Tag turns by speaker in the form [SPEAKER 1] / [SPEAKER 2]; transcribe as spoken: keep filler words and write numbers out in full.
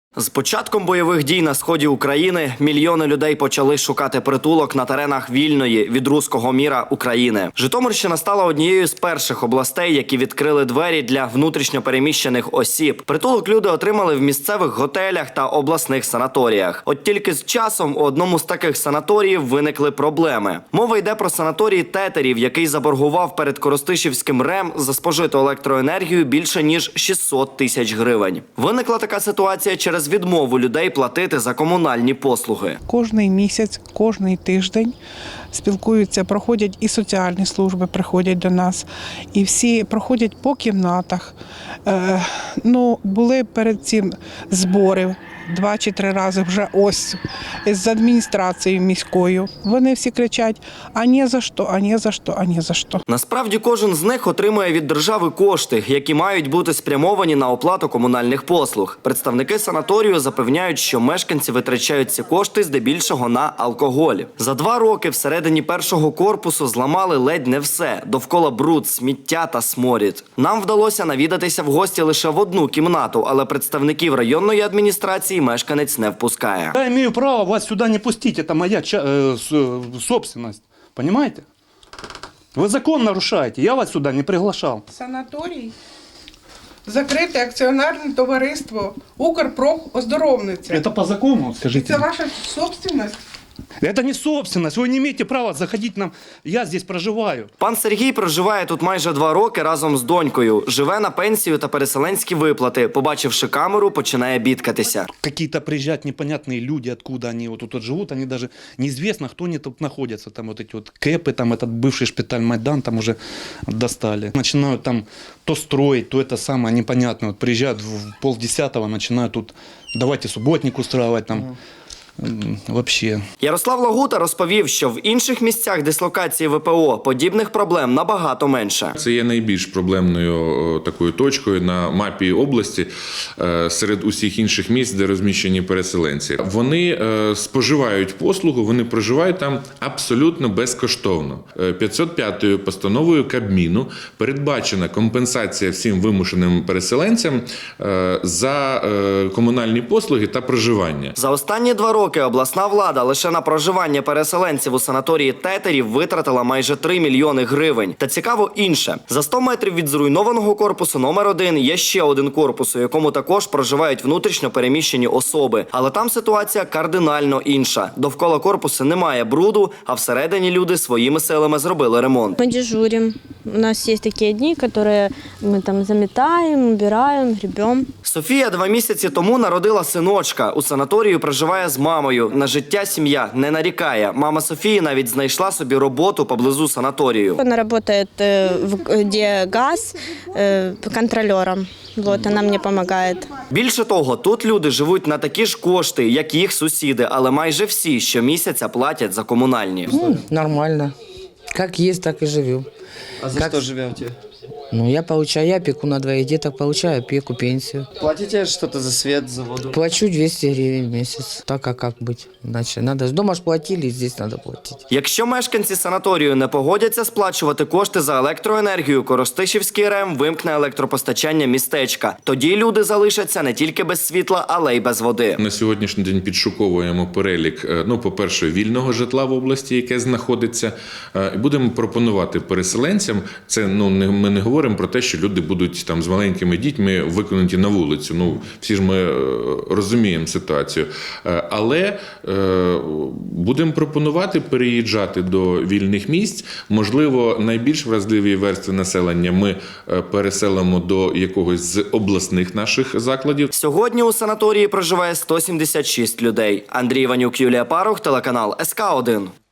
[SPEAKER 1] З початком бойових дій на сході України мільйони людей почали шукати притулок на теренах вільної від руського міра України. Житомирщина стала однією з перших областей, які відкрили двері для внутрішньопереміщених осіб. Притулок люди отримали в місцевих готелях та обласних санаторіях. От тільки з часом у одному з таких санаторіїв виникли проблеми. Мова йде про санаторій Тетерів, який заборгував перед Коростишівським РЕМ за спожиту електроенергію більше ніж шістсот тисяч гривень. Виникла така ситуація через відмову людей платити за комунальні послуги.
[SPEAKER 2] Кожний місяць, кожний тиждень спілкуються, проходять і соціальні служби, приходять до нас, і всі проходять по кімнатах. Е, ну, були перед цим збори два чи три рази вже ось з адміністрацією міською. Вони всі кричать: а ні за що, а ні за що, а ні за що.
[SPEAKER 1] Насправді кожен з них отримує від держави кошти, які мають бути спрямовані на оплату комунальних послуг. Представники санаторію запевняють, що мешканці витрачають ці кошти здебільшого на алкоголь. За два роки всередині першого корпусу зламали ледь не все. Довкола бруд, сміття та сморід. Нам вдалося навідатися в гості лише в одну кімнату, але представників районної адміністрації мешканець не впускає.
[SPEAKER 3] Я имею право вас сюда не пустить, это моя э, собственность, понимаете? Вы закон нарушаете, я вас сюда не приглашал.
[SPEAKER 2] Санаторій закрите акціонерне товариство «Укрпрофоздоровниця».
[SPEAKER 3] Это по закону, скажите.
[SPEAKER 2] Це ваша собственность?
[SPEAKER 3] Это не собственность, вы не имеете права заходить нам, я здесь проживаю.
[SPEAKER 1] Пан Сергій проживає тут майже два роки разом з донькою. Живе на пенсію та переселенські виплати. Побачивши камеру, починає бідкатися.
[SPEAKER 3] Какие-то приезжают непонятные люди, откуда они вот тут живут, они даже неизвестно, кто они тут находятся. Там вот эти вот кэпы, там этот бывший шпиталь Майдан там уже достали. Начинают там то строить, то это самое непонятное. Вот приезжают в полдесятого, начинают тут, давайте субботник устраивать там. Вообще.
[SPEAKER 1] Ярослав Лагута розповів, що в інших місцях дислокації ВПО подібних проблем набагато менше.
[SPEAKER 4] Це є найбільш проблемною такою точкою на мапі області серед усіх інших місць, де розміщені переселенці. Вони споживають послугу, вони проживають там абсолютно безкоштовно. п'ятсот п'ятою постановою Кабміну передбачена компенсація всім вимушеним переселенцям за комунальні послуги та проживання.
[SPEAKER 1] За останні два роки обласна влада лише на проживання переселенців у санаторії Тетерів витратила майже три мільйони гривень. Та цікаво інше. За сто метрів від зруйнованого корпусу номер один є ще один корпус, у якому також проживають внутрішньо переміщені особи. Але там ситуація кардинально інша. Довкола корпусу немає бруду, а всередині люди своїми силами зробили ремонт.
[SPEAKER 5] Ми дежуримо. У нас є такі дні, які ми там замітаємо, убираємо, гребемо.
[SPEAKER 1] Софія два місяці тому народила синочка. У санаторію проживає з мамою. На життя сім'я не нарікає. Мама Софії навіть знайшла собі роботу поблизу санаторію.
[SPEAKER 5] Вона працює, де газ, контролером. Вот, вона мені допомагає.
[SPEAKER 1] Більше того, тут люди живуть на такі ж кошти, як їх сусіди, але майже всі щомісяця платять за комунальні.
[SPEAKER 6] Ну, нормально. Как есть, так и живем.
[SPEAKER 7] А за
[SPEAKER 6] как...
[SPEAKER 7] что живете?
[SPEAKER 6] Ну, я получаю, я опеку на двоих деток, получаю опеку, пенсию.
[SPEAKER 7] Платите что-то за свет, за воду?
[SPEAKER 6] Плачу двести гривен в месяц. Так, а как быть? Иначе надо. Дома ж платили, здесь надо платить.
[SPEAKER 1] Якщо мешканці санаторію не погодяться сплачувати кошти за електроенергію, Коростишівський РЕМ вимкне електропостачання містечка. Тоді люди залишаться не тільки без світла, але й без води.
[SPEAKER 4] На сьогоднішній день підшуковуємо перелік, ну, по-перше, вільного житла в області, яке знаходиться. І будемо пропонувати переселенцям, це, ну, не, ми не говоримо про те, що люди будуть там з маленькими дітьми викинуті на вулицю. Ну, всі ж ми розуміємо ситуацію. Але будемо пропонувати переїжджати до вільних місць. Можливо, найбільш вразливі верстви населення ми переселимо до якогось з обласних наших закладів.
[SPEAKER 1] Сьогодні у санаторії проживає сто сімдесят шість людей. Андрій Іванюк, Юлія Парух, телеканал ес ка один.